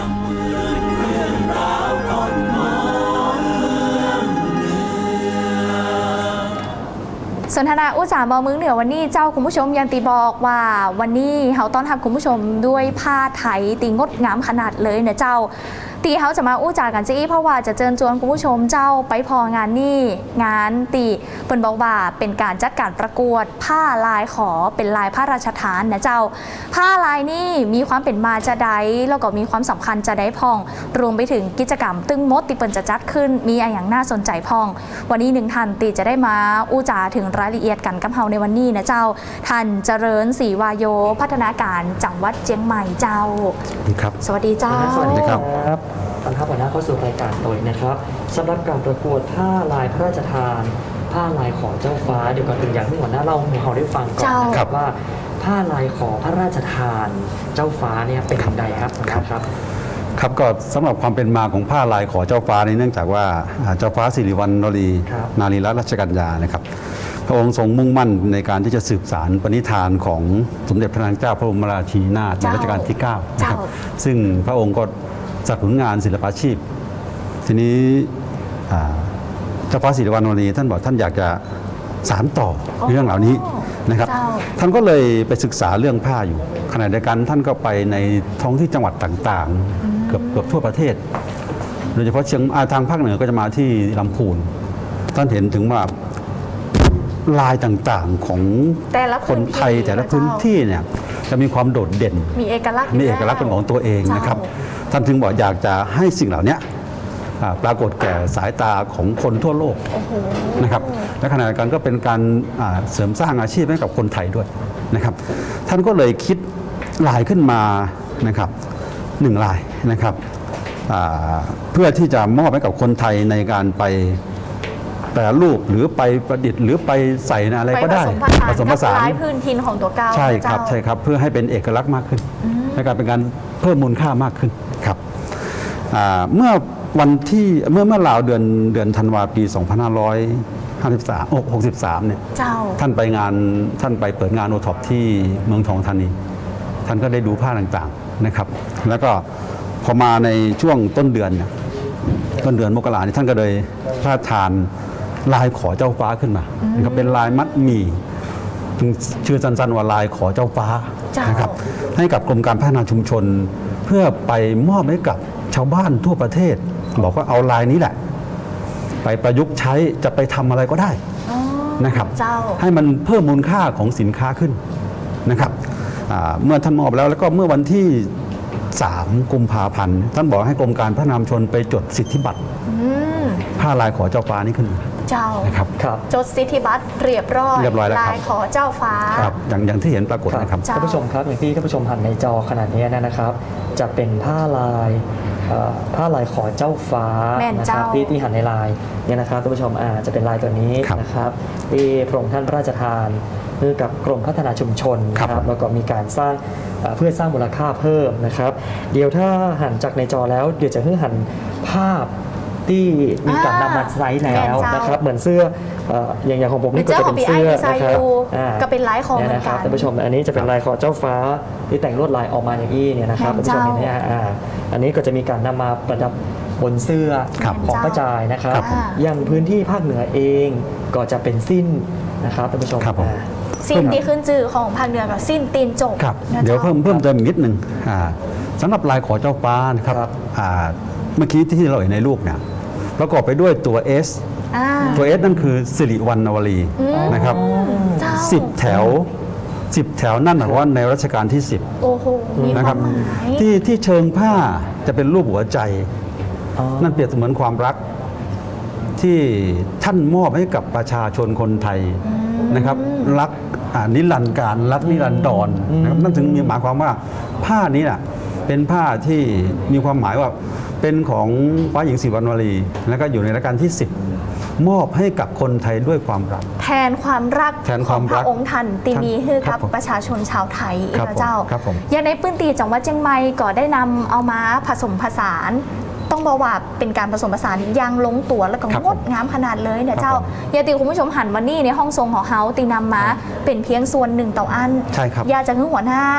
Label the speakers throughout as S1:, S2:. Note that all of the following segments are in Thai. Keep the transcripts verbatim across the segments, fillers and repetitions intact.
S1: สนทนาอุตสาหบอมึงเหนือวันนี้เจ้าคุณผู้ชมยังตีบอกว่าวันนี้เขาต้อนรับคุณผู้ชมด้วยผ้าไทยตีงดงามขนาดเลยเนี่ยเจ้าตีเขาจะมาอู้จากันจี้เพราะว่าจะเชิญชวนคุณผู้ชมเจ้าไปพองานนี่งานตีเปิ่นบอกว่าเป็นการจัดการประกวดผ้าลายขอเป็นลายพระราชทานนะเจ้าผ้าลายนี่มีความเป็นมาจะได้แล้วก็มีความสำคัญจะได้พองรวมไปถึงกิจกรรมตึ้งมดตีเปิ่นจะจัดขึ้นมีอะไรอย่างน่าสนใจพองวันนี้หนึ่งท่านตีจะได้มาอู้จาถึงรายละเอียดกันกับเฮาในวันนี้นะเจ้าท่านเจริญศรีวาโยพัฒนาการจังหวัดเชียงใหม่เจ้า
S2: ครับ
S1: สวัสดีเจ้า
S3: สวัสดีครับตอนทัพหัวหน้าเข้าสู่รายการโดยนะครับสำหรับการประกวดผ้าลายพระราชทานผ้าลายขอเจ้าฟ้าเดี๋ยวก่อนอื่นอยากให้หัวหน้าเล่าให้เราได้ฟังก่อนนะครับว่าผ้าลายขอพระราชทานเจ้าฟ้าเนี่ยเป็นอย่างไรครับครับ
S2: ครับก็สำหรับความเป็นมาของผ้าลายขอเจ้าฟ้าในเนื่องจากว่าเจ้าฟ้าสิริวัณวรีนารีรัตนรัชกัญญานะครับพระองค์ทรงมุ่งมั่นในการที่จะสืบสานปณิธานของสมเด็จพระนางเจ้าพระบรมราชินีนาถในรัชกาลที่เก้านะครับซึ่งพระองค์ก็จัดผลงานศิลปาชีพทีนี้เจ้าฟ้าสิริวัณวรีท่านบอกท่านอยากจะสานต่อเรื่องเหล่านี้นะครับท่านก็เลยไปศึกษาเรื่องผ้าอยู่ขณะเดียวกันท่านก็ไปในท้องที่จังหวัดต่างๆเกือบเกือบทั่วประเทศโดยเฉพาะเชียงทางภาคเหนือก็จะมาที่ลำพูนท่านเห็นถึงว่าลายต่างๆของคนไทยแต่ละพื้นที่เนี่ยจะมีความโดดเด่น
S1: มีเอกลักษณ์
S2: มีเอกลักษณ์เป็นของตัวเองนะครับท่านถึงบอกอยากจะให้สิ่งเหล่านี้ปรากฏแก่สายตาของคนทั่วโลกนะครับและขณะเดียวกันก็เป็นการเสริมสร้างอาชีพให้กับคนไทยด้วยนะครับท่านก็เลยคิดลายขึ้นมานะครับหนึ่งลายนะครับเพื่อที่จะมอบให้กับคนไทยในการไปแปรรูปหรือไปประดิษฐ์หรือไปใส่ในอะไรก็ได้
S1: ผสมผสานกับลายพื้นถิ่นของตัวเก่า
S2: ใช่ครับใช่ครับเพื่อให้เป็นเอกลักษณ์มากขึ้นในการเป็นการเพิ่มมูลค่ามากขึ้นครับเมื่อวันที่เมื่อเมื่อราวเดือนเดือนธันวาปีสองพันห้าร้อยห้าสิบสาม หกสิบสามเนี่ยท่านไปงานท่านไปเปิดงานโอท็อปที่เมืองทองธานีท่านก็ได้ดูผ้าต่างๆนะครับแล้วก็พอมาในช่วงต้นเดือนต้นเดือนมกราคมท่านก็เลยพระราชทานลายขอเจ้าฟ้าขึ้นมานะครับเป็นลายมัดหมี่ชื่อสั้นๆว่าลายขอเจ้าฟ้านะครับให้กับกรมการพัฒนาชุมชนเพื่อไปมอบให้กับชาวบ้านทั่วประเทศบอกว่าเอาลายนี้แหละไปประยุกต์ใช้จะไปทำอะไรก็ได้นะครับให้มันเพิ่มมูลค่าของสินค้าขึ้นนะครับเมื่อท่านมอบแล้วแล้วก็เมื่อวันที่สามกุมภาพันธ์ท่านบอกให้กรมการพัฒนาชุมชนไปจดสิทธิบัตรผ้าลายขอเจ้าฟ้านี้ขึ้น
S1: เจ้า
S2: นะครับ
S1: จดสิทธิบัตรเรียบร้อย
S2: เรียบร้อยแล้วครับ
S1: ลายขอเจ้าฟ้า
S2: ครับอย่างอย่างที่เห็นปรากฏนะครับ
S3: ท่านผู้ชมครับอย่างที่ท่านผู้ชมหันในจอขนาดนี้นะครับจะเป็นผ้าลายผ้าลายขอเจ้าฟ้านะครับที่ที่หันในลายเนี่ยนะครับท่านผู้ชมอาจะเป็นลายตัวนี้นะครับที่พระองค์ท่านพระราชทานเพื่อกับกรมพัฒนาชุมชนนะครับแล้วก็มีการสร้างเพื่อสร้างมูลค่าเพิ่มนะครับเดี๋ยวถ้าหันจากในจอแล้วเดี๋ยวจะให้หันภาพที่มีการนำมาใช้แล้วนะครับเหมือนเสื้ออย่างอย่างของผมนี่ก็จะเป็นเสื้อนะครับ
S1: ก็เป็นลายของเหมือนกัน
S3: ท่านผู้ชมอันนี้จะเป็นลายขอเจ้าฟ้าที่แต่งลวดลายออกมาอย่างนี้เนี่ยนะครับท่านผู้ชมเห็นไหมอันนี้ก็จะมีการนำมาประดับบนเสื้อของพระจายนะครับอย่างพื้นที่ภาคเหนือเองก็จะเป็นสิ้นนะครับท่านผู้ชม
S1: สิ้นที่ขึ้นชื่อของภาคเหนือกับสิ้นตีนจก
S2: เดี๋ยวเพิ่มเพิ่มเติมนิดนึงสำหรับลายขอเจ้าฟ้านะครับเมื่อกี้ที่เราเห็นในรูปเนี่ยประกอบไปด้วยตัว S ตัว S นั่นคือสิริวัณวรีนะครับสิบแถวสิบแถวนั่นหมายความว่าในรัชกาลที่สิบนะครับที่ที่เชิงผ้าจะเป็นรูปหัวใจนั่นเปรียบเสมือนความรักที่ท่านมอบให้กับประชาชนคนไทยนะครับรักนิรันดร์การรักนิรันดรนะครับนั่นถึงมีหมายความว่าผ้านี้น่ะเป็นผ้าที่มีความหมายว่าเป็นของฟ้าหญิงศรีวัณวรีแล้วก็อยู่ในรัชกาลที่สิบมอบให้กับคนไทยด้วยความรัก
S1: แทนความรักของพระองค์ท่านตีมีให้กับประชาชนชาวไทยเองเจ้าอย่างในพื้นที่จังหวัดเชียงใหม่ก็ได้นำเอามาผสมผสานต้องบอกว่าเป็นการผสมผสานอย่างลงตัวแล้วก็งดงามขนาดเลยเนี่ยเจ้าอย่าตีคุณผู้ชมหันวันนี้ในห้องทรงของเฮาตีนำมาเป็นเพียงส่วนหนึ่งต่ออันอยากจะให้หัวหน้า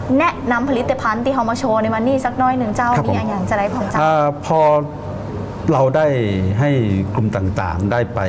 S1: แนะนำผลิตภัณฑ์ที่เขามาโชว์ในวันนี้สักน้อยหนึ่งเจ้า
S2: ครับผม
S1: มีอย่างจะได้ของเจ้า
S2: อาพอเราได้ให้กลุ่มต่างๆ ได้ไป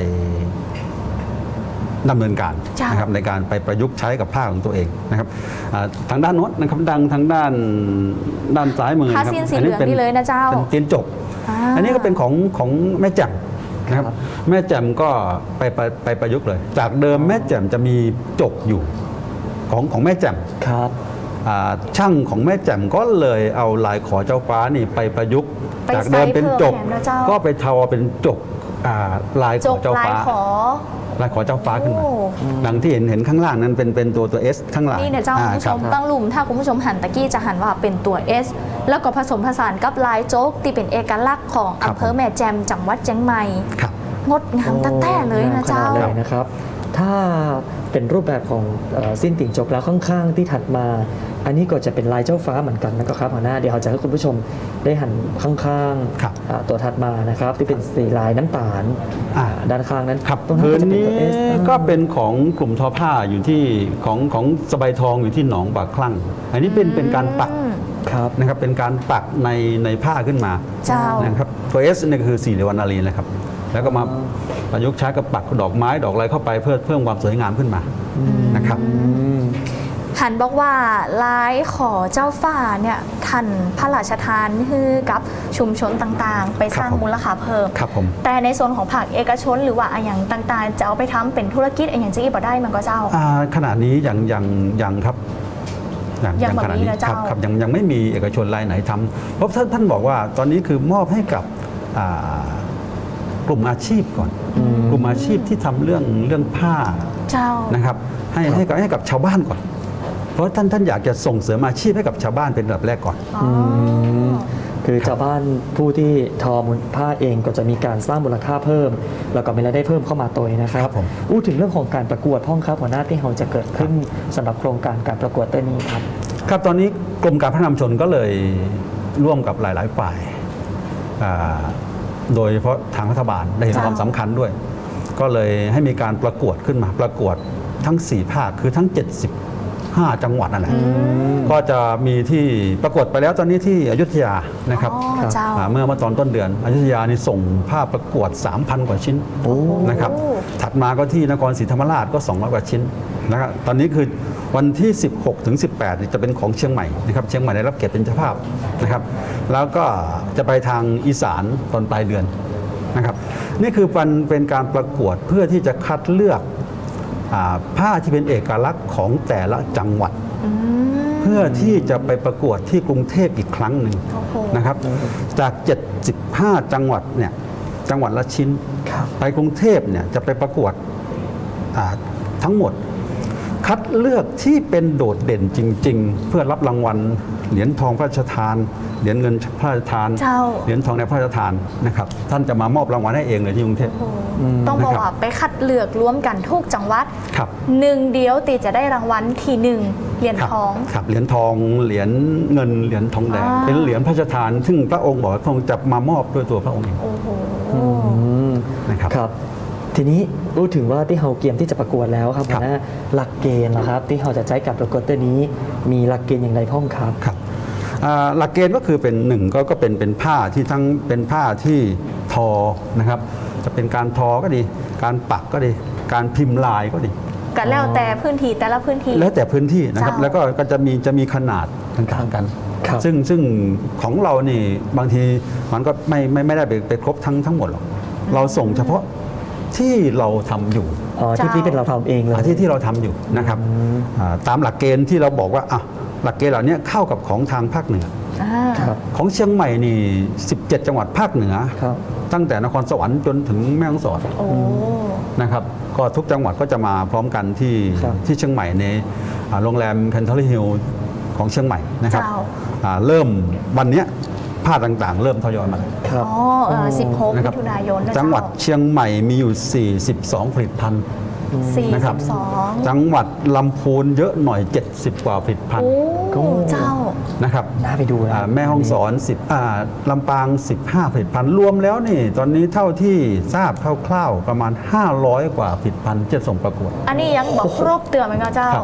S2: ดำเนินการ
S1: จ้ะ
S2: นะครับในการไปประยุกต์ใช้กับผ้าของตัวเองนะครับอ่าทางด้านโน้นนะครับดังทางด้านด้านซ้ายมือ
S1: ผ้า
S2: นะครับ
S1: สิ้นสีเหลืองนี่เลยนะเจ้า
S2: เป็นเตียนจก
S1: อ่า
S2: อันนี้ก็เป็นของของแม่แจ่มนะครับ
S3: ครับ
S2: แม่แจ่มก็ไปไปไปประยุกต์เลย จากเดิมแม่แจ่มจะมีจกอยู่ของของแม่แจ่ม
S3: ครับ
S2: อ่าช่างของแม่แจ่มก็เลยเอาลายขอเจ้าฟ้านี่ไปประยุกต์
S1: ไป
S2: จากเดิมเป็นจก
S1: ใส่เพิ่มแถมนะเจ้า
S2: ก็ไปทอเป็นจกอ่าลายข
S1: จ
S2: อก เจ้า
S1: ลาย
S2: ฟ้า
S1: ขอ
S2: ลายขอเจ้าฟ้าขึ้นมา
S1: โอ้
S2: ดังที่เห็นเห็นข้างล่างนั้นเป็นเป็นตัวตัว S ข้างหลัง
S1: นี่เนี่ยเจ้า
S2: อ่
S1: คุณผู้ช
S2: ครับ
S1: มตั้งหลุมถ้าคุณผู้ชมหันตะกี้จะหันว่าเป็นตัว S แล้วก็ผสมผสานกับลายโจ๊กที่เป็นเอกลักษณ์ของ
S2: ครับ
S1: อำเภอแม่แจ่มจังหวัดเชียงใหม่
S2: ครับ
S1: งดงามตั้งแต่เลยนะเจ้า
S3: งมขนดเลยนะครับ ถ้าเป็นรูปแบบของเอ่อสิ้นติ่งจกแล้วข้างๆที่ถัดมา อันนี้ก็จะเป็นลายเจ้าฟ้าเหมือนกันนะครับหัวหน้าเดี๋ยวเราจะให้คุณผู้ชมได้หันข้าง
S2: ครับ
S3: ๆอ่าตัวถัดมานะครับ ที่เป็นสีลายน้ำตาล
S2: อ่า
S3: ด้านข้างนั้น
S2: ครับ
S3: ตรงนั้น
S2: พื้
S3: ก็
S2: น
S3: จะเป็น
S2: นี้
S3: ตัว S
S2: ก็เป็นของกลุ่มทอผ้าอยู่ที่ของของสบายทองอยู่ที่หนองปากคลั่ง อันนี้เป็นเป็นการปัก
S1: อืม
S3: ครับ
S2: นะครับเป็นการปักในในผ้าขึ้นมา
S1: เจ้า
S2: นะครับตัว S เนี่ยคือสี่เหลี่ยมวรรณารีนะครับ แล้วก็มาประยุกต์ใช้กับปักดอกไม้ดอกอะไรเข้าไปเพื่อเพิ่มความสวยงามขึ้นมานะครับ
S3: อืม
S1: หันบอกว่าลายขอเจ้าฟ้าเนี่ยท่านพระราชทานให้กับชุมชนต่างๆ ไปสร้าง
S2: ครับผม
S1: มูลค่าเพิ่ม
S2: ครับผม
S1: แต่ในส่วนของภาคเอกชนหรือว่าอะอย่างต่างๆ จะเอาไปทำเป็นธุรกิจอะอย่างจะอีกบ่ได้มันก็เจ้า
S2: อ่าขณะนี้ยังยังยังครับ
S1: ยังแบบ
S2: ขณะ
S1: นี้นะเจ้า
S2: ครับครับยังยังไม่มีเอกชนรายไหนทำเพราะท่านท่านบอกว่าตอนนี้คือมอบให้กับอ่ากลุ่มอาชีพก่อน
S3: อืม
S2: กลุ่มอาชีพที่ทำเรื่องเรื่องผ้า
S1: เจ้า
S2: นะครับให้ให้กับให้กับชาวบ้านก่อน เพราะท่านท่านอยากจะส่งเสริมอาชีพให้กับชาวบ้านเป็นระดับแรกก่อน
S1: อ๋ออ
S3: คือชาวบ้านผู้ที่ทอมูลผ้าเองก็จะมีการสร้างมูลค่าเพิ่ม แล้วก็มีรายได้เพิ่มเข้ามาตัวเองนะครับ
S2: ครับผม
S3: อู้ถึงเรื่องของการประกวดพ่องครับหัวหน้าที่เราจะเกิดขึ้นสำหรับโครงการการประกวดตัวนี้ครับ
S2: ครับตอนนี้กรมการพัฒนาชุมชนก็เลยร่วมกับหลาย ๆ ฝ่ายอ่าโดยเฉพาะทางรัฐบาลได้เห็น
S1: จ้ะ
S2: ความสำคัญด้วย ก็เลยให้มีการประกวดขึ้นมาประกวดทั้ง 4 ภาคคือทั้ง เจ็ดสิบห้า จังหวัดนั่นแหละก็จะมีที่ประกวดไปแล้วตอนนี้ที่อยุธยานะครับ
S1: อ๋อเจ้า
S2: อ่าเมื่อเมื่อตอนต้นเดือนอยุธยานี่ส่งภาพประกวด สามพัน กว่าชิ้นนะครับ
S1: โอ้
S2: ถัดมาก็ที่นครศรีธรรมราชก็สองร้อยกว่าชิ้นนะครับตอนนี้คือวันที่ สิบหกถึงสิบแปดนี่จะเป็นของเชียงใหม่นะครับเชียงใหม่ได้รับเกียรติเป็นเจ้าภาพนะครับ แล้วก็จะไปทางอีสานตอนปลายเดือนนะครับ นี่คือเป็นเป็นการประกวดเพื่อที่จะคัดเลือกอาผ้าที่เป็นเอกลักษณ์ของแต่ละจังหวัด
S1: อืม
S2: เพื่อที่จะไปประกวดที่กรุงเทพอีกครั้งหนึ่ง
S1: โอ้โห
S2: นะครับ จาก เจ็ดสิบห้า จังหวัดเนี่ยจังหวัดละชิ้น
S3: ครับ
S2: ไปกรุงเทพเนี่ยจะไปประกวดอ่าทั้งหมด คัดเลือกที่เป็นโดดเด่นจริง ๆ เพื่อรับรางวัลเหรียญทองพระราชทาน เหรียญเงินพระราชทาน
S1: เจ้า
S2: เหรียญทองในพระราชทานนะครับท่านจะมามอบรางวัลให้เองเลยที่กรุงเทพ
S1: โอ้โหต้องบอกว่าไปคัดเลือกรวมกันทุกจังหวัด
S2: ครับ
S1: หนึ่งเดียวตีจะได้รางวัลทีหนึ่งเหรียญ
S2: ครับ
S1: ทอง
S2: ครับเหรียญทองเหรียญเงินเหรียญทองแดง
S1: อ่า
S2: เป็นเหรียญพระราชทาน ซึ่งพระองค์บอกว่าพระองค์จะมามอบด้วยตัวพระองค์เอง
S1: โอ้โห
S3: อืม
S2: นะครับ
S3: ครับ ทีนี้พูดถึงว่าที่เราเตรียมที่จะประกวดแล้วครับ
S2: ครั
S3: หั
S2: บ
S3: วหน้าหลักเกณฑ์นะครับ ที่เราจะใช้กับประกวดตัวนี้ มีหลักเกณฑ์อย่างไรพ่องครับ
S2: ครับอ่าหลักเกณฑ์ก็คือเป็นหนึ่งก็ก็เป็นเป็นผ้าที่ทั้งเป็นผ้าที่ทอนะครับ จะเป็นการทอก็ดี การปักก็ดี การพิมพ์ลายก็ดี
S1: กันแล้วแต่พื้นที่แต่ละพื้นที่
S2: แล้วแต่พื้นที่นะครับ
S1: เจ้า
S2: แล้วก็ก็จะมีจะมีขนาดต่างๆกัน
S3: ครับ
S2: ซึ่งซึ่งของเรานี่บางทีมันก็ไม่ไม่ไม่ได้ไปไปครบทั้งทั้งหมดหรอกเราส่งเฉพาะที่เราทำอยู่
S3: อ๋อที่
S1: เจ้า
S3: ที่เป็นเราทำเองเลย
S2: อ่าที่ที่เราทำอยู่นะครับอ่าตามหลักเกณฑ์ที่เราบอกว่าอ่ะหลักเกณฑ์เหล่านี้เข้ากับของทางภาคเหนือ
S1: อ่า
S3: ครับ
S2: ของเชียงใหม่นี่ สิบเจ็ด จังหวัดภาคเหนือ
S3: ครับ
S2: ตั้งแต่นครสวรรค์จนถึงแม่ฮ่องสอน
S1: โอ้
S2: นะครับก็ทุกจังหวัดก็จะมาพร้อมกันที่
S3: ครับ
S2: ที่เชียงใหม่ในอ่าโรงแรมแคนทอรี่ฮิลของเชียงใหม่นะครับ
S1: เจ้า
S2: อ่าเริ่มวันเนี้ยผ้าต่างๆ เริ่มทยอยมาแล้ว
S3: ครับ
S1: อ๋อเออสิบหก
S2: นะค
S1: มิ
S2: รับ
S1: ถุนายนนะ
S2: จังหวัดเชียงใหม่มีอยู่ สี่สิบสอง ผลิตภัณฑ์
S1: สี่
S2: นะครั
S1: สิ
S2: บ
S1: บสอง
S2: จังหวัดลำพูนเยอะหน่อย เจ็ดสิบ กว่าผลิตภัณฑ์
S1: โอ้เจ้า
S2: นะครับ
S3: น่าไปดูนะ
S2: อ่าแม่ฮ่องสอนสิบอ่าลำปาง สิบห้า ผลิตภัณฑ์รวมแล้วนี่ตอนนี้เท่าที่ทราบคร่าวๆประมาณ ห้าร้อย กว่าผลิตภัณฑ์ที่จะส่งประกวด
S1: อันนี้ยังบอกครบเตือนไหมคะเจ้า
S2: ครับ
S1: โอ้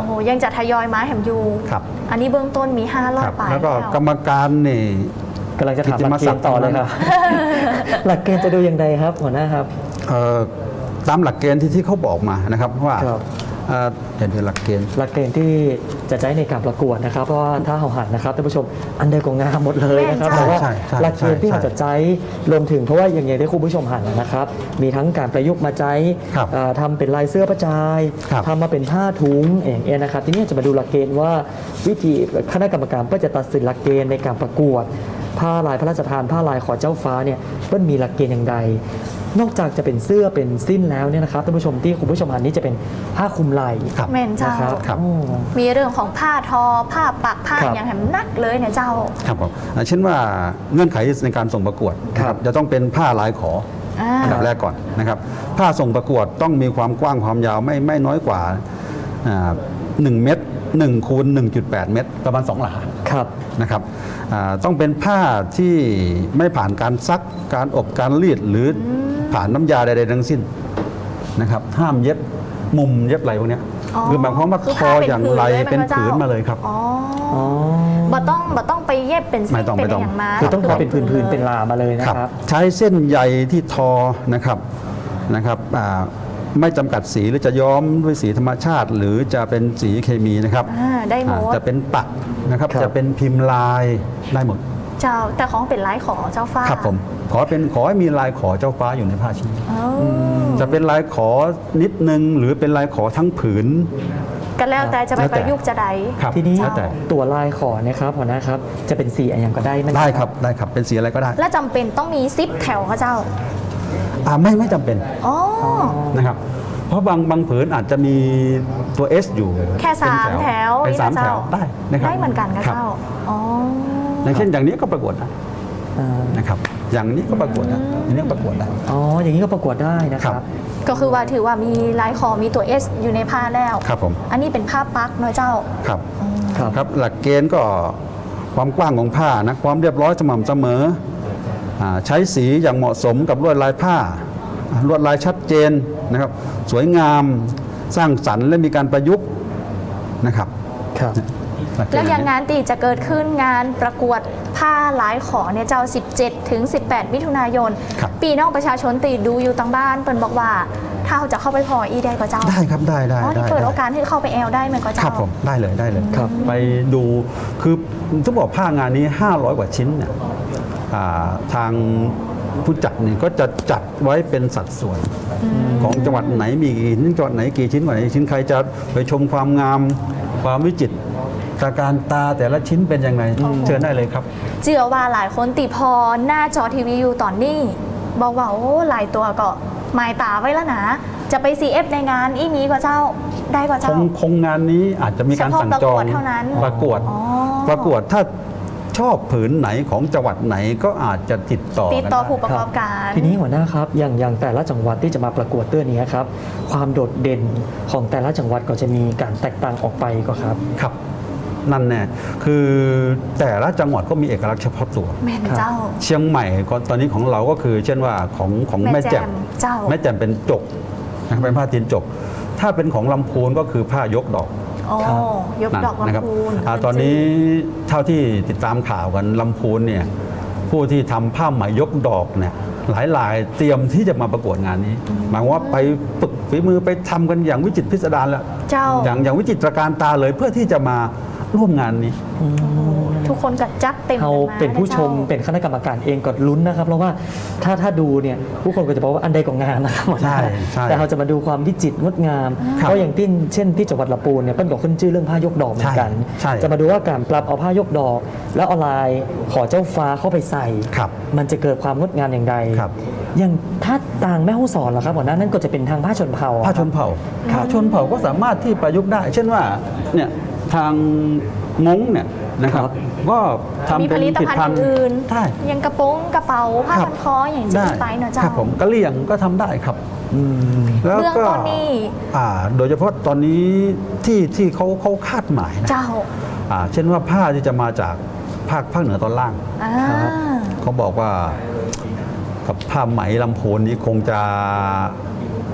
S1: โอ้โหยังจะทยอยมาแหมอยู่
S2: ครับ
S1: อันนี้เบื้องต้นมีห้าร้อ
S2: ค
S1: ย
S2: รับ
S1: ปลาย
S2: แล้วก็
S1: แล้ว
S2: กรรมการนี่
S3: กำลังจะถามหลักเกณฑ์ต่อเลยครับ หลักเกณฑ์จะดูอย่างไรครับหัวหน้าครับ
S2: เอ่อตามหลักเกณฑ์ที่ที่เขาบอกมานะครับว่า
S3: ครับ
S2: เอ่อเดี๋ยวดูหลักเกณฑ์
S3: หลักเกณฑ์ที่จะใช้ในการประกวดนะครับ เพราะว่าถ้าเราหันนะครับท่านผู้ชมอันใดก็งามหมดเลยนะครับ
S1: แม่นจ้ะ
S3: แต่ว่า
S2: ใช่ใช่
S3: หลักเกณฑ์ที่
S2: ใช่
S3: เราจะใช้รวมถึงเพราะว่าอย่างไรที่คุณผู้ชมหันนะครับ มีทั้งการประยุกต์มาใช้
S2: ครับ
S3: เอ่อทำเป็นลายเสื้อประจาย
S2: ครับ
S3: ทำมาเป็นผ้าถุงอย่างเงี้ยนะครับทีนี้จะมาดูหลักเกณฑ์ว่าวิธีคณะกรรมการก็จะตัดสินหลักเกณฑ์ในการประกวด ผ้าลายพระราชทานผ้าลายขอเจ้าฟ้าเนี่ยมันมีหลักเกณฑ์อย่างไรนอกจากจะเป็นเสื้อเป็นสิ้นแล้วเนี่ยนะครับท่านผู้ชมที่คุณผู้ชมหันนี้จะเป็นผ้าคลุมไหล่
S2: ครับ
S1: แม่นเจ้า
S3: นะครับ
S2: ครับ
S3: โอ้
S1: มีเรื่องของผ้าทอ ผ้าปักผ้า
S3: ครับ
S1: อย่างแหมนักเลยเนี่ยเจ้า
S2: ครับผมอ่าเช่นว่าเงื่อนไขในการส่งประกวดนะค
S3: ครั
S2: รับบ จะต้องเป็นผ้าลายขอ
S1: อ่า
S2: อันดับแรกก่อนนะครับผ้าส่งประกวดต้องมีความกว้างความยาวไม่ไม่น้อยกว่าอ่าหนึ่งเมตรหนึ่งคูณหนึ่งจุดแปดเมตรประมาณสองหลา
S3: ครับ
S2: นะครับอ่าต้องเป็นผ้าที่ไม่ผ่านการซักการอบการรีดหรือผ่านน้ำยาใดๆทั้งสิ้นนะครับห้ามเย็บมุมเย็บอะไรพวกเนี้ย
S1: อ๋อ
S2: คือหมายความว่า
S1: คือ
S2: ค
S1: ผ้า
S2: อ
S1: เป็น
S2: อย่างไร
S1: ผืนเลยไหม
S2: เป็น
S1: คะเจ้า
S2: ผืนมาเลยครับ
S1: อ๋อ
S3: อ๋อ
S1: บ่ต้องบ่ต้องไปเย็บเป็น
S2: ไม่
S1: เส้น
S2: ต้อง
S1: เป็น
S2: ไม่ต้อง
S1: อย่างมา
S3: คือต้องทอเป็น
S1: ผื
S3: พื้นๆเป็นลามาเลยนะครับ
S2: ใช้เส้นใยที่ทอนะครับนะครับอ่าไม่จำกัดสีหรือจะย้อมด้วยสีธรรมชาติ หรือจะเป็นสีเคมีนะครับ
S1: อ่าได้หม
S2: อ่า
S1: ด
S2: จะเป็นปักนะครับ
S3: ครับ
S2: จะเป็นพิมพ์ลายได้หมด
S1: เจ้าแต่ของเป็นลายขอเจ้าฟ้า
S2: ครับผมขอเป็นขอให้มีลายขอเจ้าฟ้าอยู่ในผ้าชิ้น
S1: อ๋ออ
S2: จะเป็นลายขอนิดนึงหรือเป็นลายขอทั้งผืน
S1: ก็แล้วแต่จะไป
S2: แล้ว
S1: ป
S2: แต่
S1: ระยุกต์จะใด
S2: ครับ
S3: ทีนี้
S2: แล้วแต่
S3: ตัวลายขอนะครับหัวหน้าครับจะเป็นสีอะไรอย่างก็ได้ไหม
S2: ได้ครับได้ครับเป็นสีอะไรก็ได้
S1: และจำเป็นต้องมีซิปแถวเขาเจ้า
S2: อ่าไม่ไม่จำเป็น
S1: อ๋อ
S2: นะครับ เพราะบางบางผืนอาจจะมีตัว S อยู่
S1: แค่สาม
S2: เป็น
S1: แถว
S2: เป็นสาม
S1: นี่นะ
S2: แถ
S1: เจ้า
S2: วได้นะครับ
S1: ได้เหมือนกันกับ
S2: ครับ
S1: เจ้า อ๋อ
S2: อย่างเช่นอย่างนี้ก็ประกวดได้
S3: อ่า
S2: นะครับ อย่างนี้ก็ประกวดได้อย่างนี้ก็ประกวดได้
S3: อ๋ออย่างนี้ก็ประกวดได้นะค
S2: ครั
S3: รับ
S2: บ
S1: ก็คือว่าถือว่ามีลายคอมีตัว S อยู่ในผ้าแล้ว
S2: ครับผม
S1: อันนี้เป็นผ้าปักเนาะเจ้า
S2: ครับ
S3: ครับ
S2: ครับหลักเกณฑ์ก็ความกว้างของผ้านะความเรียบร้อยสม่ำเสมออ่าใช้สีอย่างเหมาะสมกับลวดลายผ้าอ่าลวดลายชัดเจนนะครับ สวยงามสร้างสรรค์และมีการประยุกต์นะครับ
S3: ครับ
S2: หลักเกณฑ์
S1: แล้วอย่างงานตีจะเกิดขึ้นงานประกวดผ้าลายขอเนี่ยเจ้า สิบเจ็ด ถึง สิบแปด มิถุนายน
S2: ครับ
S1: ปีน้องประชาชนตีดูอยู่ต่างบ้านเปิ้นบอกว่า ถ้าเขาจะเข้าไปพออีได้ก็เจ้า
S2: ได้ครับได้ได้
S1: อ๋อ
S2: ได้
S1: นี่เปิด
S2: ได้
S1: โอกาสให้เข้าไปแอลได้ไหมก็
S2: ค
S1: เจ้า
S2: รับผมได้เลยได้เลย
S3: ครับ
S2: ไปดูคือต้องบอกผ้างานนี้ ห้าร้อย กว่าชิ้นเนี่ยอ่าทางผู้จัดเนี่ยก็จะจัดไว้เป็นสัดส่วน ของจังหวัดไหนมีกี่ชิ้นจังหวัดไหนกี่ชิ้นกว่าไหนชิ้นใครจะไปชมความงามความวิจิตรตาการตาแต่ละชิ้นเป็นยังไงเชิญได้เลยครับ
S1: เจือว่าหลายคนติพอหน้าจอทีวีอยู่ตอนนี้ บอกว่าโอ้หลายตัวก็หมายตาไว้แล้วนะ จะไป ซี เอฟ ในงานอีมีก็เจ้าได้ก็
S2: ค
S1: เจ้า
S2: งคงงานนี้อาจจะมีการสั่งจอง
S1: เฉพาะประกวดเท่านั้น
S2: ประกวด
S1: อ๋อ
S2: ประกวดถ้าชอบผืนไหนของจังหวัดไหนก็อาจจะติดต่อ
S1: ติด
S2: กัน
S1: ต่อ
S2: ได้
S1: ผู้ประกอบการ
S3: ทีนี้หัวหน้าครับอย่างอย่างแต่ละจังหวัดที่จะมาประกวดเตื้อนี้ครับความโดดเด่นของแต่ละจังหวัดก็จะมีการแตกต่างออกไปก็ครับ
S2: ครับนั่นแน่คือแต่ละจังหวัดก็มีเอกลักษณ์เฉพาะตัว
S1: แม่นเจ้า
S2: เชียงใหม่ก็ตอนนี้ของเราก็คือ เช่นว่าของของ
S1: แม่
S2: แม่
S1: แจ่
S2: แจ่ม
S1: มเจ้า
S2: แม่แจ่มเป็นจกนะครับเป็นผ้าตีนจก ถ้าเป็นของลำพูนก็คือผ้ายกดอก
S1: โอ้
S3: ครับ
S1: ยกดอก
S2: นะครั
S1: ลำพูน
S2: อ่าตอนนี้เท่าที่ติดตามข่าวกันลำพูนเนี่ยผู้ที่ทำผ้าไหมยกดอกเนี่ยหลายหลายๆเตรียมที่จะมาประกวดงานนี้ หมายความว่าไปฝึกฝีมือไปทำกันอย่างวิจิตรพิสดารแล้ว
S1: เจ้า
S2: อย่างอย่างวิจิตรการตาเลยเพื่อที่จะมาร่วมงานนี้
S1: ทุกคนก็จัดเต็ม
S3: เรา
S1: กัมา
S3: เป็นผู้ชม
S1: จ้า
S3: เป็นคณะกรรมการเองก็ลุ้นนะครับ เพราะว่าถ้าถ้าดูเนี่ยผู้คนก็จะบอกว่าอันใดก็งามนะครับหัวหน้า
S2: ใช่ใช่
S3: แต่เราจะมาดูความวิจิตรงดงาม
S2: ครับ
S3: เพราะอย่างที่เช่นที่จังหวัดลำพูนเนี่ยเปิ้ลก็ขึ้นชื่อเรื่องผ้ายกดอกเหมือนกัน
S2: ใช่ใช่
S3: จะมาดูว่าการปรับเอาผ้ายกดอก แล้วเอาลายขอเจ้าฟ้าเข้าไปใส่
S2: ครับ
S3: มันจะเกิดความงดงามอย่างไร
S2: ครับ
S3: อย่างถ้าต่างแม่ฮ่องสอนเหรอครับหัวหน้านั่นก็จะเป็นทางผ้าชนเผ่าอะ
S2: ผ้าชนเผ่า
S3: ครับ
S2: ผ้าชนเผ่าก็สามารถที่ประยุกต์ได้ เช่นว่าเนี่ยทางม้งเนี่ยนะครับก็ทำ
S1: มี
S2: เป็
S1: ผ
S2: น
S1: ลิต
S2: ผลิต
S1: ภัณฑ์
S2: ภัณฑ์
S1: อื่น
S2: ได้
S1: ๆอย่างกระโปรงกระเป๋าผ้า
S2: ครับ
S1: พันคออย่างที่
S2: ได้
S1: ไปเนอะเจ้า
S2: ครับผมกะเหรี่ยงก็ทำได้ครับ
S3: อืม
S2: แล้ว
S1: เบื้อง
S2: ก็
S1: ต้นนี่
S2: อ่าโดยเฉพาะตอนนี้ที่ที่เขาเขาคาดหมายนะ
S1: เจ้า
S2: อ่าเช่นว่าผ้าที่จะมาจากภาคภาคเหนือตอนล่าง
S1: อ่า
S3: ครับ
S2: เขาบอกว่ากับผ้าไหมลำโพนนี้คงจะ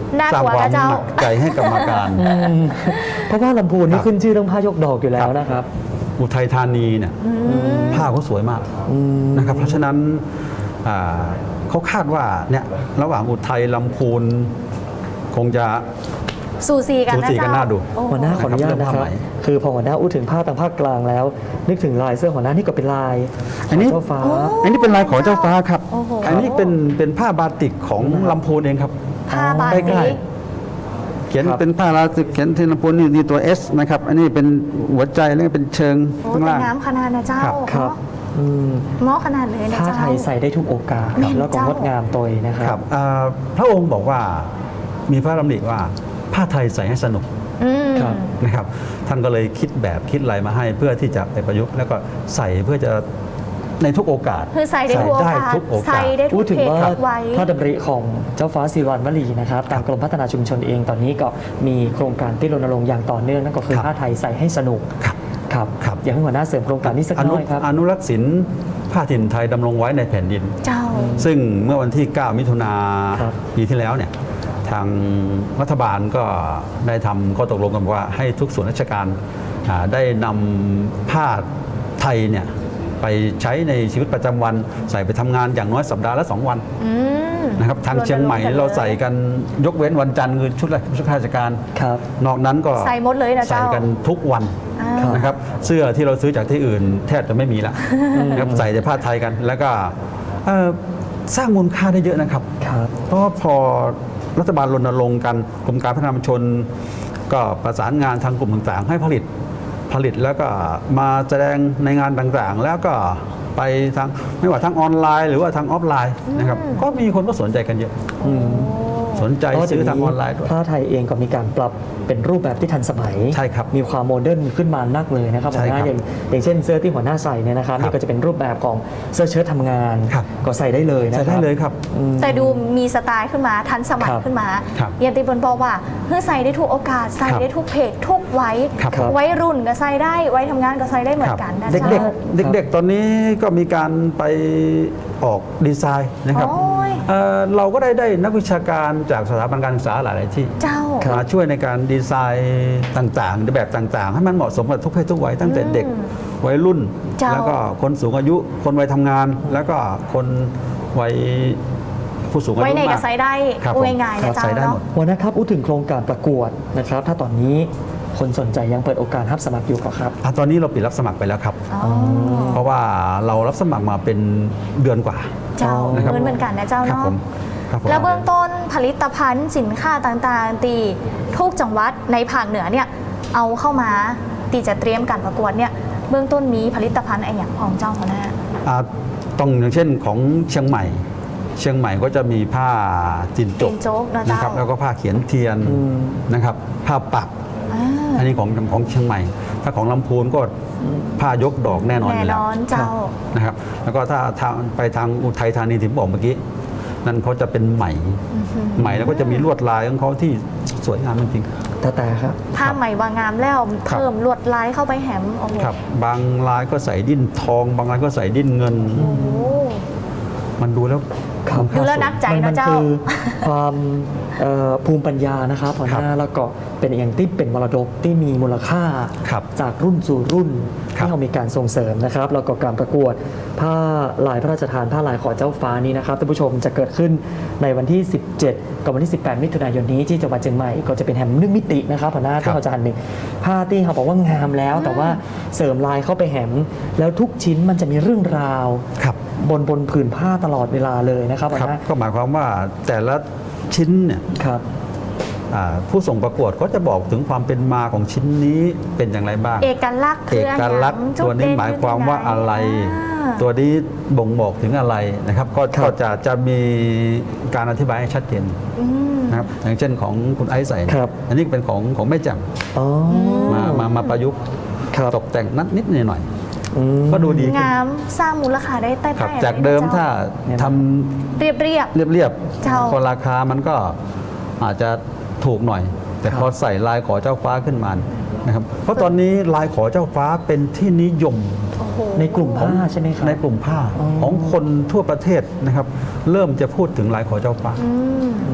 S1: น่า
S2: สร้าง
S1: กลัว
S2: ควา
S1: นะ
S2: ม
S1: เจ้า
S2: หนักใจให้กรรมการ
S3: อืมเพราะว่าลำพูน
S2: ค
S3: นี่
S2: รับ
S3: ขึ้นชื่อเรื่องผ้ายกดอกอยู่แล้วนะครับ
S2: อุทัยธานีเนี่ยผ้าเขาสวยมาก
S3: อืม
S2: นะครับเพราะฉะนั้นอ่าเขาคาดว่าเนี่ยระหว่างอุทัยลำพูนคงจะ
S1: สูสีกัน
S2: สู
S1: นะ
S2: สีกัน
S1: เจ้า
S2: น่าดู
S1: โอ้โ
S3: หัวหน้าขออนุญาต
S2: เรื่
S3: นะ
S2: อง
S3: ค
S2: ผ้า
S3: รับ
S2: ไหม
S3: คือพอหัวหน้าอู้ถึงภาคทางภาคกลางแล้ว นึกถึงลายเสื้อหัวหน้านี่ก็เป็นลาย
S2: อันนี้
S3: ขงเจ้าฟ้า
S2: อันนี้เป็นลายของเจ้าฟ้าครับ
S1: โอ้โห
S2: อันนี้เป็นเป็นผ้าบาติกของลำพูนเองครับ
S1: ผ้าบา
S2: ใก
S1: ติ
S2: ล้
S1: ก
S2: เขียน
S3: ครับ
S2: เป็นผ้าลาติกเขียนที่ลำพูนนี่นี่ตัว S นะครับอันนี้เป็นหัวใจแล้วก็เป็นเชิง
S1: โอ้
S2: ข้าง
S1: เป็น
S2: ล่าง
S1: น้ำขนาดนะเจ้า
S2: ครับ
S3: ครับอืม
S1: เงาะขนาดเลยนะ
S3: ผ้า
S1: เจ้า
S3: ไทยใส่ได้ทุกโอกาส
S1: แม่น
S3: แล้วก็
S1: เจ้าง
S3: ดงามตัวเองนะค
S2: ค
S3: รั
S2: รับ บอ่าพระองค์บอกว่ามีพระดำริว่าผ้าไทยใส่ให้สนุก
S1: อืม
S3: ครับ
S2: นะครับท่านก็เลยคิดแบบคิดอะไรมาให้เพื่อที่จะไปประยุกต์แล้วก็ใส่เพื่อจะในทุกโอกาส
S1: คือใส่ได้ทุกโอกาส
S2: ทุกโอกาส
S1: ใส่ได้ทุ
S3: พู
S1: ก
S3: ดถึง
S1: เพศ
S3: ว่า
S1: ทุกวัย
S3: พระดำริของเจ้าฟ้าศิริวัณวลีนะครับทางกรมพัฒนาชุมชนเองตอนนี้ก็มีโครงการที่รณรงค์อย่างต่อเนื่องนั่นก็คือ
S2: ครับ
S3: ผ้าไทยใส่ให้สนุก
S2: ครับ
S3: ครับ
S2: ครับ
S3: อยากให้หัวหน้าเสริมโครงการนี้สัก
S2: อ
S3: ห
S2: นุ
S3: น่อยครับ
S2: อนุรักษ์ศิลป์ผ้าถิ่นไทยดำรงไว้ในแผ่นดิน
S1: เจ้า
S2: ซึ่งเมื่อวันที่ เก้า มิถุนา
S3: ครับ
S2: ปีที่แล้วเนี่ยทางรัฐบาลก็ได้ทำข้อตกลงกันว่าให้ทุกส่วนราชการอ่าได้นำผ้าไทยเนี่ยไปใช้ในชีวิตประจำวันใส่ไปทำงานอย่างน้อยสัปดาห์ละสองวัน
S1: อืม
S2: นะครับทางเชียงใหม่
S1: รณรงค์กันเลย
S2: เราใส่กันยกเว้นวันจันทร์คือชุดชุดข้าราชการ
S3: ครับ
S2: นอกนั้นก็
S1: ใส่หมดเลยนะเจ้า
S2: ใส่กันทุกวัน
S1: อ่า
S3: ครับ
S2: นะครับเสื้อที่เราซื้อจากที่อื่นแทบจะไม่มีละนะครับใส่แต่ผ้าไทยกัน แล้วก็เอ่อสร้างมูลค่าได้เยอะนะครับ
S3: ครับ
S2: เพราะว่าพอรัฐบาลรณรงค์กันกรมการพัฒนาชุมชน ก็ประสานงานทางกลุ่มต่างๆ ให้ผลิตผลิตแล้วก็มาแสดงในงานต่างๆ แล้วก็ไปทางไม่ว่าทางออนไลน์ หรือว่าทางออฟไลน์นะครับก็มีคนก็สนใจกันเยอะ
S3: อืม
S2: สนใจ
S3: เพราะ
S2: ซื้อทาง
S3: เดี๋
S2: อ
S3: ยว
S2: อนไลน์ด้วย
S3: ผ้าไทยเองก็มีการปรับเป็นรูปแบบที่ทันสมัย
S2: ใช่ครับ
S3: มีความโมเดิร์นขึ้นมานักเลยนะครับ
S2: ใช่
S3: หัวห
S2: ครั
S3: น้า
S2: บ
S3: อย่างอย่างเช่นเสื้อที่หัวหน้าใส่เนี่ยนะครับ
S2: ครับ
S3: นี่ก็จะเป็นรูปแบบของเสื้อเชิ้ตทำงาน
S2: ครับ
S3: ก็ใส่ได้เลยนะค
S2: ใส่
S3: รับ
S2: ได้เลยครับ
S3: อืม
S1: แต่ดูมีสไตล์ขึ้นมาทันสมัย
S3: ครับ
S1: ขึ้นมา
S2: ครับ
S1: อย่างที่บนบอกว่าเพื่อใส่ได้ทุกโอกาสใส่
S2: ครับ
S1: ได้ทุกเพศทุกวัย
S2: ครับครับ
S1: วัยรุ่นก็ใส่ได้วัยทำงานก็ใส่ได้เหมือนกันนะ
S2: เด็ก
S1: เจ้า
S2: เด็กๆเด็กๆ ตอนนี้ก็มีการไปออกดีไซน์นะครับ
S1: โอ้ย
S2: เอ่อเราก็ได้ได้นักวิชาการจากสถาบันการศึกษาหลาย ๆ ที่
S1: เจ้า
S3: ครับ
S2: มาช่วยในการดีไซน์ต่างๆในแบบต่างๆ ให้มันเหมาะสมกับทุกเพศทุกวัยตั้งแต่เด็ก
S1: อืม
S2: วัยรุ่น
S1: เจ้า
S2: แล้วก็คนสูงอายุ คนวัยทำงาน แล้วก็คนวัยผู้สูงอายุ
S1: ไว้ใน
S2: มา
S1: ก็
S2: ก
S1: ใส่ได้
S2: ครับ
S1: พูด
S2: ผม
S1: ง่ายๆ
S2: ครั
S1: นะ
S2: บ
S1: เจ้า
S2: ใส่ได้หม
S1: เนาะ
S2: ด
S3: หัวหน้าครับพูดถึงโครงการประกวดนะครับ ถ้าตอนนี้คนสนใจยังเปิดโอกาสรับสมัครอยู่ก็ครับ
S2: อ่ะตอนนี้เราปิดรับสมัครไปแล้วครับ
S1: อ๋อ
S2: เพราะว่าเรารับสมัครมาเป็นเดือนกว่า
S1: เจ้า
S2: นะครับ
S1: เหมือนเหมือนกันนะเจ้า
S2: ครับ
S1: เนาะ
S2: ผมครับผม
S1: แล้วเบื้องต้นผลิตภัณฑ์สินค้าต่างๆ ตีทุกจังหวัดในภาคเหนือเนี่ยเอาเข้ามาตีจะเตรียมการประกวดเนี่ยเบื้องต้นมีผลิตภัณฑ์อะไรอย่างของเจ้าหัวหน้า
S2: อ่าต้องอย่างเช่นของเชียงใหม่ เชียงใหม่ก็จะมีผ้าจินจก
S1: จินจกนะเจ้า
S2: นะครับแล้วก็ผ้าเขียนเทียน
S3: อืม
S2: นะครับผ้าปัก
S1: อ่า
S2: อันนี้ของของเชียงใหม่ ถ้าของลำพูนก็ผ้ายกดอกแน่นอนอ
S1: แน่
S2: ยู่แล้
S1: น
S2: ว
S1: อนเจ้า
S2: นะครับแล้วก็ถ้าทางไปทางอุทัยธานีที่ผมบอกเมื่อกี้นั่นเขาจะเป็นไหมไหมแล้วก็จะมีลวดลายของเขาที่สวยงามจริง
S3: แต่แต่ครับ
S1: ผ้าใหม่วางงามแล้ว
S2: ครับ
S1: เพิ่มลวดลายเข้าไปแหมโอ้โห
S2: ๆครับบางลายก็ใส่ดิ้นทอง บางลายก็ใส่ดิ้นเงิน
S1: โอ้โห
S2: มันดูแล้ว
S3: ครับ
S2: ณค่า
S1: ดูแล้ว
S2: สูง
S1: นักใจ
S3: มั
S1: นะ
S3: มัน
S1: เจ้า
S3: คือความเอ่อภูมิปัญญานะครับหัวหน้าแล้วก็เป็นอย่างที่เป็นมรดกที่มีมูลค่า
S2: ครับ
S3: จากรุ่นสู่รุ่น
S2: ครับ
S3: ที่เรามีการส่งเสริมนะครับแล้วก็การประกวดผ้าลายพระราชทานผ้าลายขอเจ้าฟ้านี้นะครับท่านผู้ชมจะเกิดขึ้นในวันที่ สิบเจ็ด กับวันที่ สิบแปด มิถุนายนนี้ที่จังหวัดเชียงใหม่ก็จะเป็นแฮมนึ่งมิตินะครับหัวหน้า
S2: ครั
S3: ที่
S2: บ
S3: เราจะหันหนึ่งผ้าที่เขาบอกว่างามแล้ว แต่ว่าเสริมลายเข้าไปแฮมแล้วทุกชิ้นมันจะมีเรื่องราว
S2: ครับ
S3: บนบนผืนผ้าตลอดเวลาเลยนะครับหัว
S2: ครับ
S3: หน้า
S2: ก็หมายความว่าแต่ละชิ้นเนี่ย
S3: ครับ
S2: อ่าผู้ส่งประกวดก็จะบอกถึงความเป็นมาของชิ้นนี้เป็นอย่างไรบ้าง
S1: เอกลักษณ์
S2: เอ
S1: คืออะไร
S2: กลักษณ์
S1: จุด
S2: ตัวนี้
S1: เด่
S2: หมายความว่าอะไร
S1: อ่า
S2: ตัวนี้บ่งบอกถึงอะไรนะครับ ก็
S3: ครับ
S2: ก็จะจะมีการอธิบายให้ชัดเจน
S1: อืม
S2: นะครับอย่างเช่นของคุณไอซ์ใส่เนี่ย
S3: ครับ
S2: อันนี้เป็นของของแม่แจ่ม
S3: อ๋อ
S2: มามามาประยุกต์
S3: ครับ
S2: ตกแต่งนัดนิดหน่อยหน่อย
S3: อืม
S2: ก็ดูดีขึ้น
S1: งามสร้างมูลค่าได้ใต้
S2: ครับ
S1: ๆ
S2: จากเดิมถ้า
S3: เนี่ย
S2: ท
S1: เรียบเรียบ
S2: ำเรียบ
S1: เจ้า
S2: ๆพอราคามันก็อาจจะถูกหน่อย แต่
S3: ครับ
S2: พอใส่ลายขอเจ้าฟ้าขึ้นมานะครับเพราะตอนนี้ลายขอเจ้าฟ้าเป็นที่นิยม
S1: โอ้โห
S3: ในกลุ่มผ้าใช่ไหมครับ
S2: ในกลุ่มผ้า
S3: อ๋อ
S2: ของคนทั่วประเทศนะครับ เริ่มจะพูดถึงลายขอเจ้าฟ้า
S1: อืม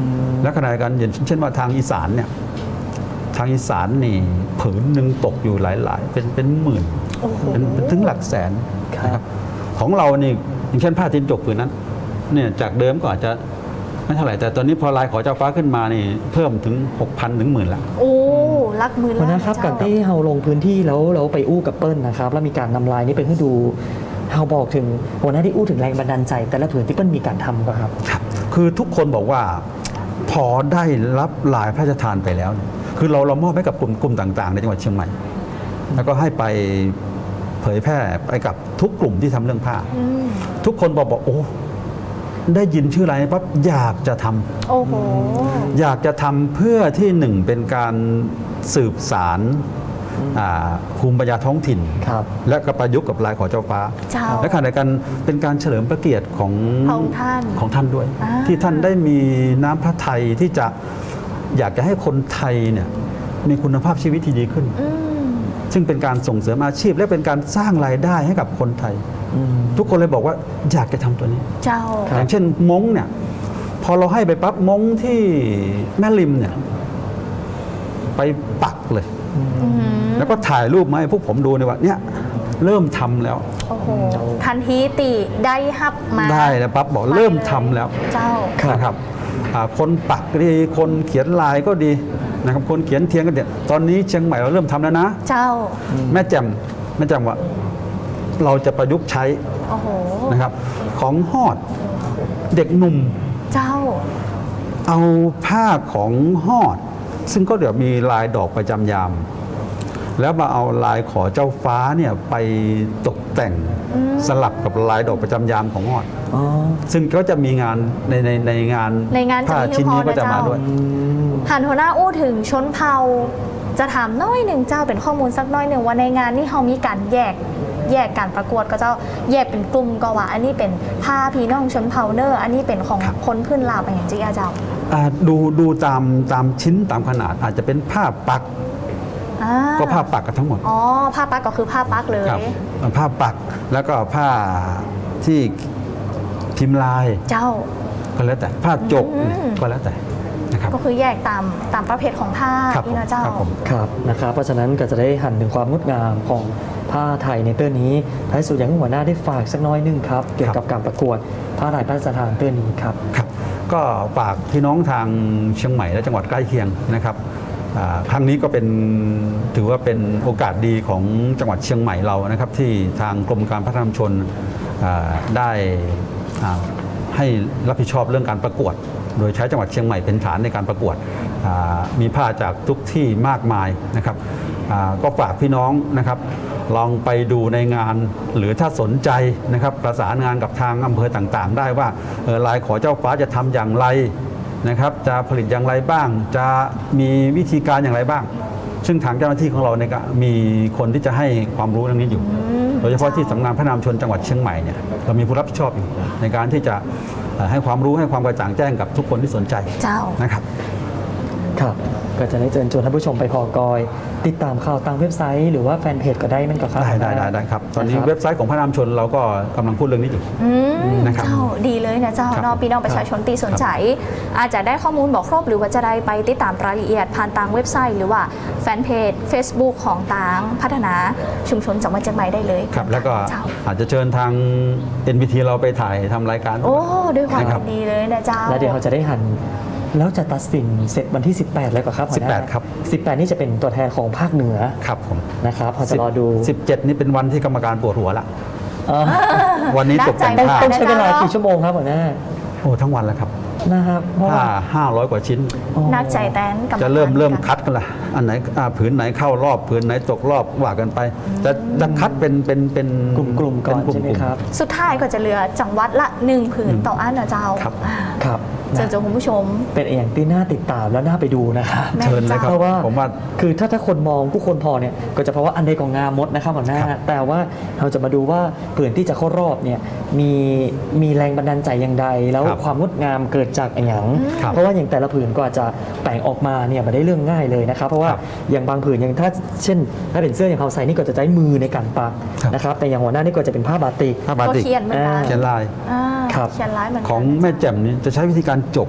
S2: และขณะเดียวกันอย่างเช่นว่าทางอีสานเนี่ยทางอีสานนี่ผืนหนึ่งตกอยู่หลายๆ เป็นเป็นหมื่น
S1: โอ้โห
S2: เป็นเป็นถึงหลักแสน
S3: ครับ
S2: นะครับของเรานี่อย่างเช่นผ้าทินจกผืนนั้นเนี่ยจากเดิมก็อาจจะไม่เท่าไหร่แต่ตอนนี้พอลายขอเจ้าฟ้าขึ้นมานี่เพิ่มถึง หกพัน ถึงหมื่นละ
S1: โอ้ลักมือ
S3: วันนั้นครับการที่เราลงพื้นที่แล้วเราไปอู้กับเปิ้ลนะครับแล้วมีการนำลายนี้ไปให้ดูเราบอกถึงวันนั้นที่อู้ถึงแรงบันดาลใจ แต่ละผืนที่เปิ้ลมีการทำก็ครับ
S2: ครับคือทุกคนบอกว่าพอได้รับลายพระราชทานไปแล้วเนี่ยคือเราเรามอบให้กับกลุ่มกลุ่มต่างๆในจังหวัดเชียงใหม่ แล้วก็ให้ไปเผยแพร่ไปกับทุกกลุ่มที่ทำเรื่องผ้า
S1: อืม
S2: ทุกคนบอกบอกโอ้ได้ยินชื่อลายนี้ปั๊บอยากจะทำ
S1: โอ้โห
S2: อยากจะทำเพื่อที่หนึ่งเป็นการสืบสารอ่าภูมิปัญญาท้องถิ่น
S3: ครับ
S2: และก็ประยุกต์กับลายขอเจ้าฟ้า
S1: เจ้า
S2: และขณะเดียวกันเป็นการเฉลิมพระเกียรติของ
S1: ของท่าน
S2: ของท่านด้วย
S1: อ่า
S2: ที่ท่านได้มีน้ำพระทัยที่จะอยากจะให้คนไทยเนี่ยมีคุณภาพชีวิตที่ดีขึ้น
S1: อืม
S2: ซึ่งเป็นการส่งเสริมอาชีพ และเป็นการสร้างรายได้ให้กับคนไทย
S3: อืม
S2: ทุกคนเลยบอกว่าอยากจะทำตัวนี้
S1: เจ้า
S3: ครับ
S2: อย่างเช่นม้งเนี่ยพอเราให้ไปปั๊บม้งที่แม่ริมเนี่ยไปปักเลย
S1: อืม
S2: แล้วก็ถ่ายรูปมาให้พวกผมดูในยว่าเนี่ยเริ่มทำแล้ว
S1: โอ้โห ทันทีติได้ฮับมา
S2: ได้แล้วปั๊บบอก
S1: ไป
S2: เริ่ม
S1: เลย
S2: ทำแล้ว
S1: เจ้า
S2: นะครับอ่าคนปักก็ดีคนเขียนลายก็ดีนะครับคนเขียนเทียนก็เดียตอนนี้เชียงใหม่เราเริ่มทำแล้วนะ
S1: เจ้า
S2: แม่แจ่มแม่แจ่มว่าเราจะประยุกต์ใช้
S1: โอ้โห
S2: นะครับของฮอดเด็กหนุ่ม
S1: เจ้า
S2: เอาผ้าของฮอด ซึ่งก็เดี๋ยวมีลายดอกประจำยาม แล้วมาเอาลายขอเจ้าฟ้าเนี่ยไปตกแต่ง
S1: อืม
S2: สลับกับลายดอกประจำยามของฮอด
S3: อ๋อ
S2: ซึ่งก็จะมีงานในในในงาน
S1: ในงาน
S2: ผ้า
S1: จะมี
S2: ชิ้นนี้ก็จะมา
S1: เฉพาะนะเจ้า
S2: ด้วย
S3: อืม
S1: หันหัวหน้าอู้ถึงชนเผ่า จะถามน้อยหนึ่งเจ้าเป็นข้อมูลสักน้อยหนึ่งว่าในงานนี่เขามีการแยกแยกการประกวดก็เจ้าแยกเป็นกลุ่มก็ว่า อันนี้เป็นผ้าพี่น้องชนเผ่าเนอร์อันนี้เป็นของ
S2: ครับ
S1: คนพื้นลาวอย่างจีอาเจ้า
S2: อ่าดูดูตามตามชิ้นตามขนาดอาจจะเป็นผ้าปัก
S1: อ่า
S2: ก็ผ้าปักกันทั้งหมด
S1: อ๋อผ้าปักก็คือผ้าปักเลย
S2: ครับผ้าปักแล้วก็ผ้าที่พิมพ์ลาย
S1: เจ้า
S2: ก็แล้วแต่ผ้าจก
S1: อืม
S2: ก็แล้วแต่นะครับ
S1: ก็คือแยกตามตามประเภทของผ้า
S2: ครับ
S1: นี่นะเจ้า
S2: ครับผม
S3: ครับนะครับเพราะฉะนั้นก็จะได้หันถึงความงดงามของผ้าไทยในเตื้อนี้ท้ายสุดอย่างที่หัวหน้าได้ฝากสักน้อยหนึงครับเกี่ยวกับการประกวดผ้าลายพระราชทานเตื้อนี้ครับ
S2: ครับก็ฝากพี่น้องทางเชียงใหม่และจังหวัดใกล้เคียงนะครับอ่าครั้งนี้ก็เป็นถือว่าเป็นโอกาสดีของจังหวัดเชียงใหม่เรานะครับ ที่ทางกรมการพัฒนาชุมชนอ่าได้อ่าให้รับผิดชอบเรื่องการประกวด โดยใช้จังหวัดเชียงใหม่เป็นฐานในการประกวดอ่ามีผ้าจากทุกที่มากมายนะครับอ่าก็ฝากพี่น้องนะครับ ลองไปดูในงานหรือถ้าสนใจนะครับประสานงานกับทางอำเภอต่างๆ ได้ว่าเอ่อลายขอเจ้าฟ้าจะทำอย่างไรนะครับ จะผลิตอย่างไรบ้าง จะมีวิธีการอย่างไรบ้าง ซึ่งทางเจ้าหน้าที่ของเราเนี่ยก็มีคนที่จะให้ความรู้เรื่องนี้อยู่ โดยเฉพาะที่สำนักงานพัฒนาชุมชนจังหวัดเชียงใหม่เนี่ยเรามีผู้รับผิดชอบอยู่ในการที่จะเอ่อให้ความรู้ให้ความกระจ่างแจ้งกับทุกคนที่สนใจ
S1: เจ้า
S2: นะครับ
S3: ครับก็จะได้เชิญชวนท่านผู้ชมไปพอกอย ติดตามข่าวทางเว็บไซต์ หรือว่าแฟนเพจก็ได้มันก็ครับ
S2: ได้ได้ได้ได้ครับ ตอนนี้
S3: ะครับ
S2: เว็บไซต์ของพระนามชนเราก็กำลังพูดเรื่องนี้อยู่
S1: อืม
S2: นะครับ
S1: เจ้าดีเลยนะเจ้า
S2: ครับ
S1: เนอะพี่น้องประชาชนตีสนใจ อาจจะได้ข้อมูลบอกครบหรือว่าจะได้ไปติดตามรายละเอียดผ่านทางเว็บไซต์ หรือว่าแฟนเพจ Facebook ของทางพัฒนาชุมชนจังหวัดเชียงใหม่ได้เลย
S2: ครับแล้วก็
S1: เจ้า
S2: อาจจะเชิญทาง เอ็น บี ที เราไปถ่ายทำรายการ
S1: โอ้ด้วยความ
S2: นะครับ
S1: ยินดีเลยนะเจ้า
S3: แล้วเดี๋ยวเราจะได้หัน แล้วจะตัดสินเสร็จวันที่ สิบแปด แล้วก็ครับหัวหน้า
S2: สิบแปดครับ
S3: สิบแปด นี่จะเป็นตัวแทนของภาคเหนือ
S2: ครับผม
S3: นะครับเราจะรอดู
S2: สิบเจ็ดนี่เป็นวันที่กรรมการปวดหัวละ
S3: เอ่อ
S2: วันนี้ตกแต่ง
S1: น่าใจ
S2: ผ้า
S3: ต้องใช้เวลากี่ชั่วโมงครับหัวหน้า
S2: โอ้ทั้งวันแล้วครับ
S3: นะครับเพราะ
S2: ผ้า
S3: ว่า
S2: ห้าร้อยกว่าชิ้น
S1: นักใจแตนกรรมการ
S2: จะเริ่มเริ่ม
S1: กัน
S2: คัดกันละอันไหนอ่าผืนไหนเข้ารอบผืนไหนตกรอบว่ากันไปจะจะคัดเป็นเป็นเป็น
S3: กลุ่มๆก่อน
S2: เป็
S3: ใช่ไหมครับ
S1: สุดท้ายก็จะเหลือจังหวัดละหนึ่งผืนต่ออันนะเจ้า
S2: ครับ
S1: อ่า
S3: ครับ
S1: เชิญชวนคุณผู้ชม
S3: เป็นอย่างที่น่าติดตามและน่าไปดูนะครับ
S1: แม่
S2: เชิญเลยครับ
S3: เพราะว่า
S2: ผมว่า
S3: คือถ้าถ้าคนมองผู้คนพอเนี่ยก็จะเพราะว่าอันใดของงามมดนะครับหัวหน้า
S2: ครับ
S3: แต่ว่าเราจะมาดูว่าผืนที่จะเข้ารอบเนี่ยมีมีแรงบันดาลใจอย่างใดแล้ว
S2: ครับ
S3: ความงดงามเกิดจากอย่าง
S2: ครับ
S3: เพราะว่าอย่างแต่ละผืนก็อาจจะแปลงออกมาเนี่ยมาได้เรื่องง่ายเลยนะครับ เพราะว่า
S2: ครับ
S3: อย่างบางผืนอย่างถ้าเช่น ถ้าเป็นเสื้ออย่างเขาใส่นี่ก็จะใช้มือในการปัก
S2: ครับ
S3: นะครับแต่อย่างหัวหน้านี่ก็จะเป็นผ้าบาติก
S2: ผ้าบา
S1: ก็
S2: ติก
S1: เขียนเหมือนกัน
S3: อ่า
S2: เขียนลาย
S1: อ่า
S3: ครับ
S1: เขียนร้ายเหมือนกัน
S2: ของแม่แจ่มนี่จะใช้วิธีการจบ
S3: โ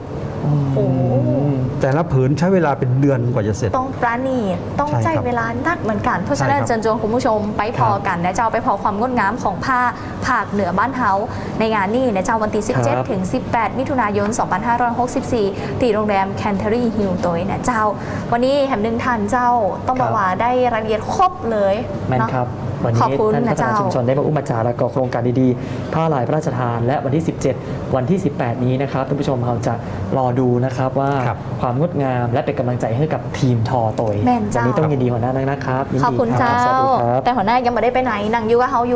S1: โอ้โห
S2: แต่ละผืนใช้เวลาเป็นเดือนกว่าจะเสร็จ
S1: ต้องปราณีตต้อง
S2: ใช่
S1: ใจ
S2: ครับ
S1: เวลานักเหมือนกัน เพราะฉะนั้น
S2: ใช่ครับ
S1: เชิญชวนคุณผู้ชมไปพอกันนะเจ้าไปพอความงดงามของผ้าผากเหนือบ้านเฮาในงานนี้นะเจ้าวันที่สิบเจ็ด
S3: ครับ
S1: ถึงสิบแปดมิถุนายนสองพันห้าร้อยหกสิบสี่ที่โรงแรมแคนเทอรี่ฮิลตัวนะเจ้า วันนี้แหมหนึ่งทันเจ้าต้องบอกว่าได้รายละเอียดครบเลย
S3: แม่น
S1: เนาะ
S3: ครับ วัน
S1: ขอบ
S3: นี้
S1: คุณ
S3: ท่านพั
S1: นะ
S3: ฒนา
S1: เจ้า
S3: ชุมชนได้มาอุ้มมาจาแล้วก็โครงการดีๆ ผ้าลายพระราชทาน และวันที่ สิบเจ็ด วันที่ สิบแปด นี้นะครับท่านผู้ชมเราจะรอดูนะครับว่า
S2: ครับ
S3: ความงดงามและเป็นกำลังใจให้กับทีมทอโตย
S1: แม่นเจ้า
S3: วันนี้ต้องยินดีหัวหน้านะครับยิน
S1: ขอบ
S3: ดี
S1: คุณ
S3: ครับ
S1: เจ้า
S3: สวัสดีครับ
S1: แต่หัวหน้ายังไม่ได้ไปไหนนั่งอยู่กับเฮาอยู่